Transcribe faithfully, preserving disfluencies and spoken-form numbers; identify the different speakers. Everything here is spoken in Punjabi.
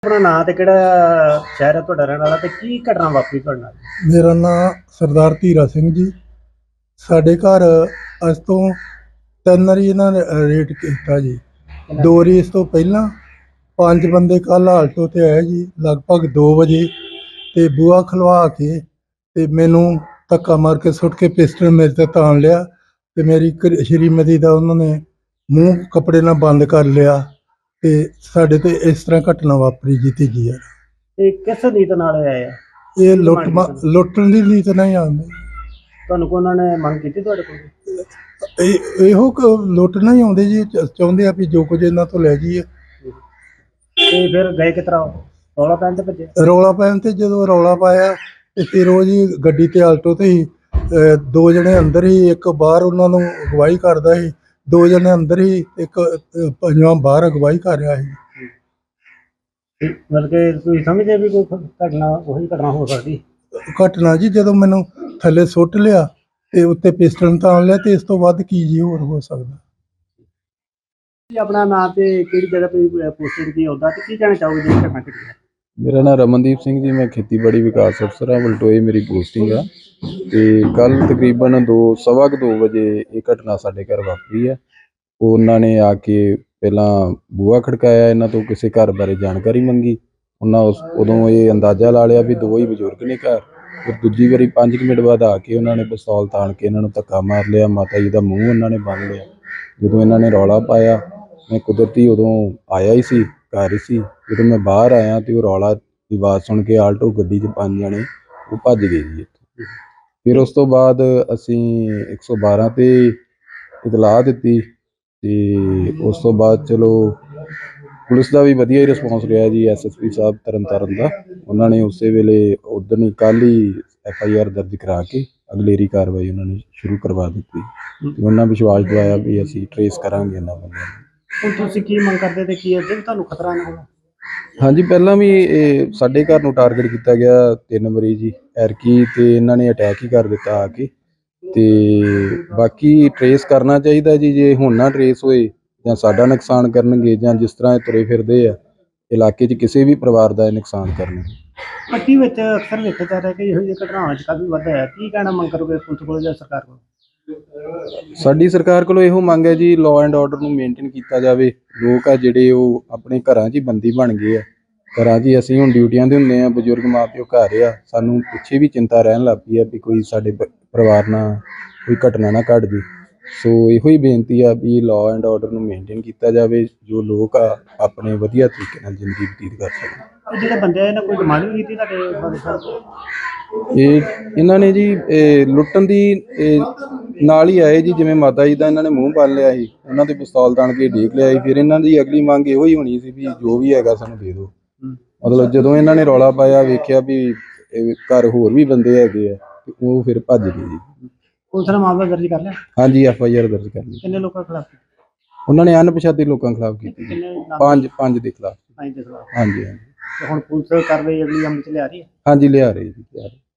Speaker 1: ਆਪਣਾ ਨਾਂ ਤੇ ਕਿਹੜਾ ਸ਼ਹਿਰ ਹੈ ਤੁਹਾਡਾ ਰਹਿਣ ਵਾਲਾ ਤੇ ਕੀ ਘਟਨਾ ਵਾਪਰੀ ਤੁਹਾਡੇ ਨਾਲ?
Speaker 2: ਮੇਰਾ ਨਾਮ ਸਰਦਾਰ ਧੀਰਾ ਸਿੰਘ ਜੀ। ਸਾਡੇ ਘਰ ਅੱਜ ਤੋਂ ਤਿੰਨ ਵਾਰੀ ਇਹਨਾਂ ਨੇ ਰੇਟ ਕੀਤਾ ਜੀ। ਦੋ ਵਾਰੀ ਇਸ ਤੋਂ ਪਹਿਲਾਂ ਪੰਜ ਬੰਦੇ ਕੱਲ੍ਹ ਆਲਟੋ 'ਤੇ ਆਏ ਜੀ ਲਗਭਗ ਦੋ ਵਜੇ ਅਤੇ ਬੂਹਾ ਖੁਲਵਾ ਕੇ ਅਤੇ ਮੈਨੂੰ ਧੱਕਾ ਮਾਰ ਕੇ ਸੁੱਟ ਕੇ ਪਿਸਟਲ ਮੇਰੇ 'ਤੇ ਤਾਣ ਲਿਆ ਅਤੇ ਮੇਰੀ ਘ ਸ਼੍ਰੀਮਤੀ ਦਾ ਉਹਨਾਂ ਨੇ ਮੂੰਹ ਕੱਪੜੇ ਨਾਲ ਬੰਦ ਕਰ ਲਿਆ ਅਤੇ ਸਾਡੇ 'ਤੇ ਇਸ ਤਰ੍ਹਾਂ ਘਟਨਾ ਵਾਪਰੀ ਜੀ ਤੀਜੀ ਵਾਰ।
Speaker 1: ਤੇ ਕਿਸ ਨੀਤ ਨਾਲ ਇਹ ਆਏ ਆ?
Speaker 2: ਇਹ
Speaker 1: ਕੀ
Speaker 2: ਲੁੱਟ
Speaker 1: ਮੰਗ
Speaker 2: ਮਾ
Speaker 1: ਕੀਤੀ?
Speaker 2: ਲੁੱਟਣ ਦੀ ਨੀਤ ਨਹੀਂ ਆਉਂਦੀ।
Speaker 1: ਤੁਹਾਨੂੰ ਕੋ ਉਹਨਾਂ ਨੇ ਮੰਗ ਕੀਤੀ ਤੁਹਾਡੇ ਕੋਲ?
Speaker 2: ਇਹ ਇਹੋ ਕੁ ਲੁੱਟਣਾ ਹੀ ਆਉਂਦੇ ਜੀ, ਚ- ਚਾਹੁੰਦੇ ਆ ਵੀ ਜੋ ਕੁਝ ਇਹਨਾਂ ਤੋਂ ਲੈ ਜਾਈਏ।
Speaker 1: ਤੇ ਫਿਰ ਗਏ ਕਿਸ ਤਰ੍ਹਾਂ? ਰੌਲਾ ਪੈਣ ਤੇ ਭੱਜੇ?
Speaker 2: ਰੌਲਾ ਪੈਣ ਤੇ ਜਦੋਂ ਰੌਲਾ ਪਾਇਆ ਤੇ ਫਿਰ ਉਹ ਜੀ ਗੱਡੀ ਤੇ ਆਲਟੋ ਤੇ ਹੀ ਅਹ, ਦੋ ਜਣੇ ਅੰਦਰ ਹੀ, ਇੱਕ ਬਾਹਰ ਉਹਨਾਂ ਨੂੰ ਅਗਵਾਈ ਕਰਦਾ ਸੀ। ਦੋ ਜਣੇ ਅੰਦਰ ਹੀ, ਇੱਕ ਅਹ, ਪੰਜਵਾਂ ਬਾਹਰ ਅਗਵਾਈ ਕਰ ਰਿਹਾ ਸੀ।
Speaker 1: ਮਤਲਬ ਕਿ ਤੁਸੀਂ ਸਮਝਦੇ ਵੀ ਕੋਈ ਘਟਨਾ ਉਹੀ ਘਟਨਾ ਹੋ ਸਕਦੀ?
Speaker 2: ਘਟਨਾ ਜੀ ਜਦੋਂ ਮੈਨੂੰ ਥੱਲੇ ਸੁੱਟ ਲਿਆ ਤੇ ਉੱਤੇ ਪਿਸਟਲ ਤਾਣ ਲਿਆ ਤੇ ਇਸ ਤੋਂ ਵੱਧ ਕੀ ਜੀ ਹੋਰ ਹੋ ਸਕਦਾ।
Speaker 1: ਜੀ ਆਪਣਾ ਨਾਂ ਤੇ ਕਿਹੜੀ ਜਗ੍ਹਾ ਤੇ ਪੋਸਟਡ ਕੀ ਹੁੰਦਾ ਤੇ ਕੀ ਕਹਿਣਾ ਚਾਹੋਗੇ ਜਿਹੜੀ ਘਟਨਾ ਘਟੀ ਹੈ?
Speaker 3: ਮੇਰਾ ਨਾਮ ਰਮਨਦੀਪ ਸਿੰਘ ਜੀ, ਮੈਂ ਖੇਤੀਬਾੜੀ ਵਿਕਾਸ ਅਫਸਰ ਹਾਂ, ਬਲਟੋਏ ਮੇਰੀ ਪੋਸਟਿੰਗ ਆ। ਅਤੇ ਕੱਲ੍ਹ ਤਕਰੀਬਨ ਦੋ ਸਵਾ ਕੁ ਦੋ ਵਜੇ ਇਹ ਘਟਨਾ ਸਾਡੇ ਘਰ ਵਾਪਰੀ ਹੈ। ਉਹਨਾਂ ਨੇ ਆ ਕੇ ਪਹਿਲਾਂ ਬੂਹਾ ਖੜਕਾਇਆ, ਇਹਨਾਂ ਤੋਂ ਕਿਸੇ ਘਰ ਬਾਰੇ ਜਾਣਕਾਰੀ ਮੰਗੀ। ਉਹਨਾਂ ਉਸ ਉਦੋਂ ਇਹ ਅੰਦਾਜ਼ਾ ਲਾ ਲਿਆ ਵੀ ਦੋ ਹੀ ਬਜ਼ੁਰਗ ਨੇ ਘਰ। ਫਿਰ ਦੂਜੀ ਵਾਰੀ ਪੰਜ ਕੁ ਮਿੰਟ ਬਾਅਦ ਆ ਕੇ ਉਹਨਾਂ ਨੇ ਪਿਸਤੌਲ ਤਾਣ ਕੇ ਇਹਨਾਂ ਨੂੰ ਧੱਕਾ ਮਾਰ ਲਿਆ। ਮਾਤਾ ਜੀ ਦਾ ਮੂੰਹ ਉਹਨਾਂ ਨੇ ਬੰਨ੍ਹ ਲਿਆ। ਜਦੋਂ ਇਹਨਾਂ ਨੇ ਰੌਲਾ ਪਾਇਆ, ਮੈਂ ਕੁਦਰਤੀ ਉਦੋਂ ਆਇਆ ਹੀ ਸੀ, ਘਰ ਹੀ ਸੀ। ਜਦੋਂ ਮੈਂ ਬਾਹਰ ਆਇਆ ਅਤੇ ਉਹ ਰੌਲਾ ਦੀ ਆਵਾਜ਼ ਸੁਣ ਕੇ ਆਲਟੋ ਗੱਡੀ 'ਚ ਪੰਜ ਜਣੇ ਉਹ ਭੱਜ ਗਏ ਜੀ ਇੱਥੋਂ। ਫਿਰ ਉਸ ਤੋਂ ਬਾਅਦ ਅਸੀਂ ਇੱਕ ਸੌ ਬਾਰਾਂ 'ਤੇ ਇਤਲਾਹ ਦਿੱਤੀ ਅਤੇ ਉਸ ਤੋਂ ਬਾਅਦ ਚਲੋ ਪੁਲਿਸ ਦਾ ਵੀ ਵਧੀਆ ਹੀ ਰਿਸਪੌਂਸ ਰਿਹਾ ਜੀ। S S P Sahib Tarn Taran ਦਾ, ਉਹਨਾਂ ਨੇ ਉਸੇ ਵੇਲੇ ਉੱਦਣ ਹੀ ਕੱਲ੍ਹ ਹੀ ਐਫ ਆਈ ਆਰ ਦਰਜ ਕਰਾ ਕੇ ਅਗਲੇਰੀ ਕਾਰਵਾਈ ਉਹਨਾਂ ਨੇ ਸ਼ੁਰੂ ਕਰਵਾ ਦਿੱਤੀ ਅਤੇ ਉਹਨਾਂ ਵਿਸ਼ਵਾਸ ਦਿਵਾਇਆ ਵੀ ਅਸੀਂ ਟਰੇਸ ਕਰਾਂਗੇ ਇਹਨਾਂ ਬੰਦਿਆਂ ਨੂੰ।
Speaker 1: ਹੁਣ ਤੁਸੀਂ ਕੀ ਮੰਗ ਕਰਦੇ ਤੇ ਕੀ ਅੱਗੇ ਵੀ ਤੁਹਾਨੂੰ ਖਤਰਾ ਨਾ ਹੋਣਾ?
Speaker 3: ਹਾਂਜੀ, ਪਹਿਲਾਂ ਵੀ ਇਹ ਸਾਡੇ ਘਰ ਨੂੰ ਟਾਰਗੇਟ ਕੀਤਾ ਗਿਆ ਤਿੰਨ ਵਾਰੀ ਜੀ ਐਰਕੀ, ਅਤੇ ਇਹਨਾਂ ਨੇ ਅਟੈਕ ਹੀ ਕਰ ਦਿੱਤਾ ਆ ਕੇ। ਅਤੇ ਬਾਕੀ ਟਰੇਸ ਕਰਨਾ ਚਾਹੀਦਾ ਜੀ, ਜੇ ਹੁਣ ਨਾ ਟਰੇਸ ਹੋਏ ਜਾਂ ਸਾਡਾ ਨੁਕਸਾਨ ਕਰਨਗੇ ਜਾਂ ਜਿਸ ਤਰ੍ਹਾਂ ਇਹ ਤੁਰੇ ਫਿਰਦੇ ਆ ਇਲਾਕੇ 'ਚ ਕਿਸੇ ਵੀ ਪਰਿਵਾਰ ਦਾ ਇਹ ਨੁਕਸਾਨ ਕਰਨਗੇ।
Speaker 1: ਪੱਟੀ ਵਿੱਚ ਅਕਸਰ ਵੇਖਿਆ ਜਾ ਰਿਹਾ ਕਿ ਇਹੋ ਜਿਹੀ ਘਟਨਾਵਾਂ 'ਚ ਕਾਫੀ ਵਾਧਾ ਹੈ। ਕੀ ਕਹਿਣਾ ਮੰਗ ਕਰੋਗੇ ਪੁਲਿਸ ਕੋਲ ਜਾਂ ਸਰਕਾਰ ਕੋਲ?
Speaker 3: ਸਾਡੀ ਸਰਕਾਰ ਕੋਲੋਂ ਇਹੋ ਮੰਗ ਹੈ ਜੀ, ਲਾਅ ਐਂਡ ਆਰਡਰ ਨੂੰ ਮੇਨਟੇਨ ਕੀਤਾ ਜਾਵੇ। ਲੋਕ ਆ ਜਿਹੜੇ ਉਹ ਆਪਣੇ ਘਰਾਂ 'ਚ ਹੀ ਬੰਦੀ ਬਣ ਗਏ ਆ। ਘਰਾਂ 'ਚ ਹੀ ਅਸੀਂ ਹੁਣ ਡਿਊਟੀਆਂ 'ਤੇ ਹੁੰਦੇ ਹਾਂ, ਬਜ਼ੁਰਗ ਮਾਂ ਪਿਓ ਘਰ ਆ, ਸਾਨੂੰ ਪਿੱਛੇ ਵੀ ਚਿੰਤਾ ਰਹਿਣ ਲੱਗ ਪਈ ਆ ਵੀ ਕੋਈ ਸਾਡੇ ਪ ਪਰਿਵਾਰ ਨਾਲ ਕੋਈ ਘਟਨਾ ਨਾ ਘੱਟ ਜੇ। ਸੋ ਇਹੋ ਹੀ ਬੇਨਤੀ ਆ ਵੀ ਲਾਅ ਐਂਡ ਆਰਡਰ ਨੂੰ ਮੇਨਟੇਨ ਕੀਤਾ ਜਾਵੇ, ਜੋ ਲੋਕ ਆ ਆਪਣੇ ਵਧੀਆ ਤਰੀਕੇ ਨਾਲ ਜ਼ਿੰਦਗੀ ਬਤੀਤ ਕਰ ਸਕਣ।
Speaker 1: ਇਹ ਜਿਹੜੇ ਬੰਦੇ ਆ ਇਹਨਾਂ ਕੋਈ ਡਿਮਾਂਡ ਵੀ ਕੀਤੀ ਤੁਹਾਡੇ ਬਾਰੇ ਸਾਹਿਬ?
Speaker 3: ਇਹ ਇਹਨਾਂ ਨੇ ਜੀ ਇਹ ਲੁੱਟਣ ਦੀ ਇਹ ਨਾਲ ਹੀ ਆਏ ਜੀ। ਜਿਵੇਂ ਮਾਤਾ ਜੀ ਦਾ ਇਹਨਾਂ ਨੇ ਮੂੰਹ ਬੰਨ੍ਹ ਲਿਆ ਸੀ, ਉਹਨਾਂ ਦੇ ਪਿਸਤੌਲ ਤਾਣ ਕੇ ਡੇਗ ਲਿਆ ਸੀ। ਫਿਰ ਇਹਨਾਂ ਦੀ ਅਗਲੀ ਮੰਗ ਇਹੋ ਹੀ ਹੋਣੀ ਸੀ ਵੀ ਜੋ ਵੀ ਹੈਗਾ ਸਾਨੂੰ ਦੇ ਦਿਓ। ਮਤਲਬ ਜਦੋਂ ਇਹਨਾਂ ਨੇ ਰੌਲਾ ਪਾਇਆ, ਵੇਖਿਆ ਵੀ ਇਹ ਘਰ ਹੋਰ ਵੀ ਬੰਦੇ ਹੈਗੇ ਆ, ਅਤੇ ਉਹ ਫਿਰ ਭੱਜ ਗਏ ਜੀ।
Speaker 1: ਪੁਲਿਸ ਨੇ ਮਾਮਲਾ ਦਰਜ ਕਰ ਲਿਆ?
Speaker 3: ਹਾਂਜੀ, ਐਫ ਆਈ ਆਰ ਦਰਜ ਕਰ ਲਈ।
Speaker 1: ਕਿੰਨੇ ਲੋਕਾਂ ਖਿਲਾਫ?
Speaker 3: ਉਹਨਾਂ ਨੇ ਅਣਪਛਾਤੇ ਲੋਕਾਂ ਖਿਲਾਫ ਕੀਤੀ ਜੀ।
Speaker 1: ਕਿੰਨੇ ਨਾਮ?
Speaker 3: ਪੰਜ ਪੰਜ ਦੇ ਖਿਲਾਫ।
Speaker 1: ਪੰਜ ਦੇ ਖਿਲਾਫ।
Speaker 3: ਹਾਂਜੀ ਹਾਂਜੀ
Speaker 1: ਤੇ ਹੁਣ ਪੁਲਿਸ ਕਾਰਵਾਈ ਅਗਲੀ ਅਮਲ 'ਚ ਲਿਆ ਰਹੀ ਹੈ?
Speaker 3: ਹਾਂਜੀ, ਲਿਆ ਰਹੇ ਜੀ, ਲਿਆ ਰਹੇ।